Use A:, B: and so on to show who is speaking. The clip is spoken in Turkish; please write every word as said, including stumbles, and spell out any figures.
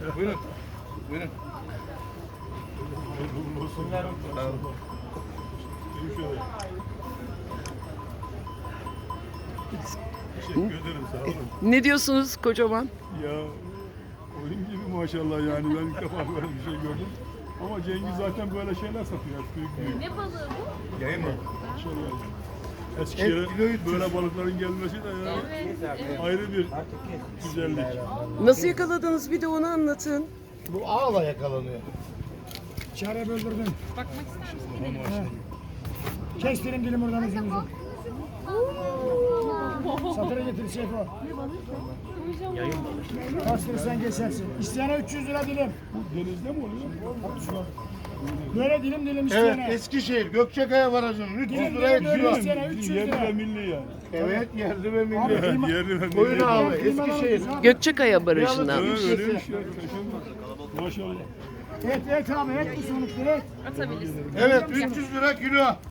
A: Buyurun. Buyurun.
B: Teşekkür ederim, sağ olun.
C: Ne diyorsunuz kocaman?
B: Ya oyun gibi maşallah yani ben ilk defa böyle bir şey gördüm. Ama Cengiz zaten böyle şeyler satıyor. Büyük büyük.
D: Ne balığı bu?
A: Yayın mı?
B: Maşallah. Eskişehir'e böyle balıkların gelmesi de ya
D: Evet.
B: ayrı bir güzellik.
C: Nasıl yakaladınız, bir de onu anlatın.
E: Bu ağla yakalanıyor. Çare böldürdüm.
D: Bakmak ister misin?
E: Kestirin dilim oradan ucumuzu. Satıra getir Seyfo. Bastırırsan geçersin. İsteyene üç yüz lira dilim.
B: Bu denizde mi oluyor?
E: Böyle dilim dilim
A: Evet,
E: isteyene.
A: Eskişehir Gökçekaya Barajı'nın üç yüz
E: Dilim
A: liraya
E: dilim böyle
A: kilo.
E: isteyene üç yüz
B: Yerli ve
E: lira.
B: milli yani.
A: Evet, yerli ve milli.
E: Abi,
B: Yerli ve
A: Koyun
B: milli.
A: avı, Eskişehir.
C: Gökçekaya Barajı'ndan.
B: Evet, öyleymiş ya. Kaşınma. Maşallah.
E: Et et abi et bu sonuçta et.
D: Atabilirsin.
A: Evet, üç yüz lira kilo.